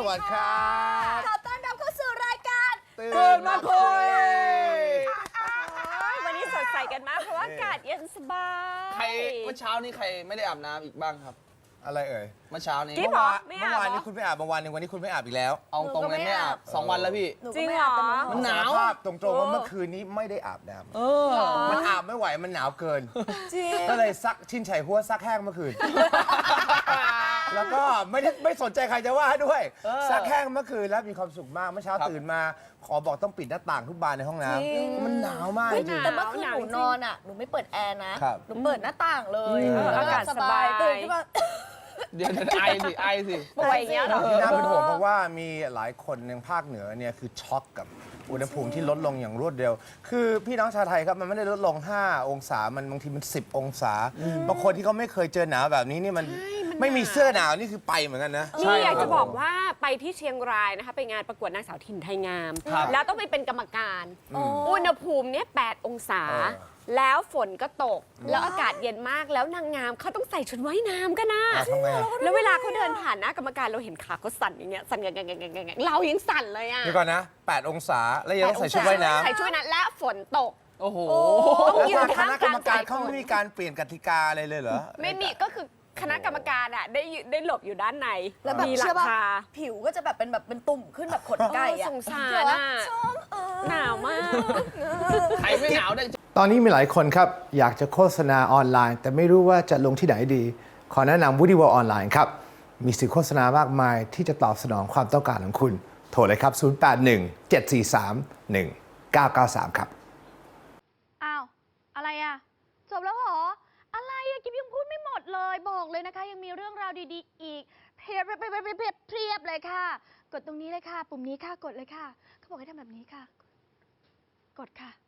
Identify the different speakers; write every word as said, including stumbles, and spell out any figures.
Speaker 1: วัสดีครับ
Speaker 2: ขอต้อนรับเข้าสู่รายการ
Speaker 1: ตื่นมาคุย
Speaker 3: วันนี้สดใสกันมากเพราะว่าอากาศเย็นสบาย
Speaker 4: ใครเมื่อเช้านี้ใครไม่ได้อาบน้ำอีกบ้างครับ
Speaker 1: อะไรเอ่ย
Speaker 4: เมื่อเช้านี้
Speaker 3: กิ๊บ
Speaker 1: เมื่อวาน
Speaker 3: ไม่
Speaker 1: เมื่
Speaker 3: อา
Speaker 1: อบ วาน
Speaker 3: เหรอ
Speaker 1: นี้คุณไม่อาบบางวันหนึ่งวันนี้คุณไม่อาบอีกแล้ว
Speaker 4: เอาตรงเลยไม่อาบสองวันแล้วพี่
Speaker 3: จริงเหรอ
Speaker 4: มันหนาว
Speaker 1: สรภาพตรงๆว่าเมื่อคืนนี้ไม่ได้อาบน้
Speaker 4: เออ
Speaker 1: ำมันอาบไม่ไหวมันหนาวเกิน
Speaker 2: จริง
Speaker 1: ก็เลยซักชินไฉหัวซักแห้งเมื่อคืน แล้วก็ไม่ได้ไม่สนใจใครจะว่าด้วย
Speaker 4: เออ
Speaker 1: ซักแห้งเมื่อคืนแล้วมีความสุขมากเมื่อเช้า
Speaker 4: ครับ
Speaker 1: ตื่นมาขอบอกต้องปิดหน้าต่างทุกบานในห้องน้
Speaker 2: จริง
Speaker 1: ำมันหนาวมากจ
Speaker 2: เฮ้ย
Speaker 1: ริง
Speaker 2: แต่เมื่อคืนหนูนอนอ่ะ หนูไม่เปิดแอร์นะ
Speaker 1: ครับ
Speaker 2: หนูเปิดหน้าต่างเลย
Speaker 1: อืม
Speaker 2: แล้ว
Speaker 3: อากาศสบาย
Speaker 2: ตื่นขึ้นมา
Speaker 4: เดี๋ยวเดี๋ยวไอสิไอสิ
Speaker 3: ป่วยอย่างเงี้ยเหรอ
Speaker 1: ที่น่าเป็นห่วงเพราะว่ามีหลายคนในภาคเหนือเนี่ยคือช็อกกับอุณหภูมิที่ลดลงอย่างรวดเร็ว คือพี่น้องชาวไทยครับมันไม่ได้ลดลง ห้า องศา มันบางทีมัน สิบ องศา บางคนที่เขาไม่เคยเจอหนาวแบบนี้นี่มันไม่มีเสื้อหนาวนี่คือไปเหมือนกันนะ
Speaker 3: นี่อยากจะบอกว่าไปที่เชียงรายนะคะไปงานประกวดนางสาวถิ่นไทยงาม
Speaker 4: ครับ
Speaker 3: แล้วต้องไปเป็นกรรมการ อุณหภูมิเนี่ยแปดองศา
Speaker 1: เออ
Speaker 3: แล้วฝนก็ตก แล้วอากาศเย็นมากแล้วนางงามเขาต้องใส่ชุดว่ายน้ำกันนะ
Speaker 1: อ่ะทำไงอ่ะ
Speaker 3: แล้วเวลาเขาเดินผ่านหน้ากรรมการเราเห็นขาเขาสั่นอย่างเงี้ยสั่นกันๆๆๆเรายังสั่นเลยอ่ะ
Speaker 1: เดี๋ยวก่อนนะ แปด องศา แล้วยังต้องใส่ชุดว่ายน้ำ
Speaker 3: ใส่ชุดนั้นและฝนตก
Speaker 4: โอ้โห
Speaker 3: ต้อง
Speaker 1: แล้ว
Speaker 3: ยืน
Speaker 1: ทางค
Speaker 3: ท่าม
Speaker 1: ณะ
Speaker 3: ก
Speaker 1: กร
Speaker 3: ลาร ง
Speaker 1: มการเขาไม่มีการเปลี่ยนกติกาอะไรเลยเหรอ
Speaker 3: ไม่มีก็คือคณะกรรมการอ่ะได้ยืได้หลบอยู่ด้านใน
Speaker 2: แล้วแบบ
Speaker 3: มีหลั
Speaker 2: เชื่อง ป่ะ
Speaker 3: คา
Speaker 2: ผิวก็จะแบบเป็นแบบเป็นตุ่มขึ้นแบบขนไก่อะ
Speaker 3: สงสาร
Speaker 2: เดี๋ยว
Speaker 3: อ่ะ
Speaker 2: ชมเออ
Speaker 3: หนาวมาก
Speaker 4: ใครไม่หนาวได้
Speaker 1: ตอนนี้มีหลายคนครับ อยากจะโฆษณาออนไลน์ แต่ไม่รู้ว่าจะลงที่ไหนดี ขอแนะนำ Woody World ออนไลน์ครับ มีสื่อโฆษณามากมายที่จะตอบสนองความต้องการของคุณ โทรเลยครับ ศูนย์ แปด หนึ่ง เจ็ด สี่ สาม หนึ่ง เก้า เก้า สาม ครับ
Speaker 5: อ้าว อะไรอะจบแล้วเหรอ อะไรอะกิ๊บยังพูดไม่หมดเลย บอกเลยนะคะ ยังมีเรื่องราวดีๆ อีกเพียบเพียบเพียบเพียบเพียบเพียบเลยค่ะ กดตรงนี้เลยค่ะ ปุ่มนี้ค่ะ กดเลยค่ะ เขาบอกให้ทำแบบนี้ค่ะ กดค่ะ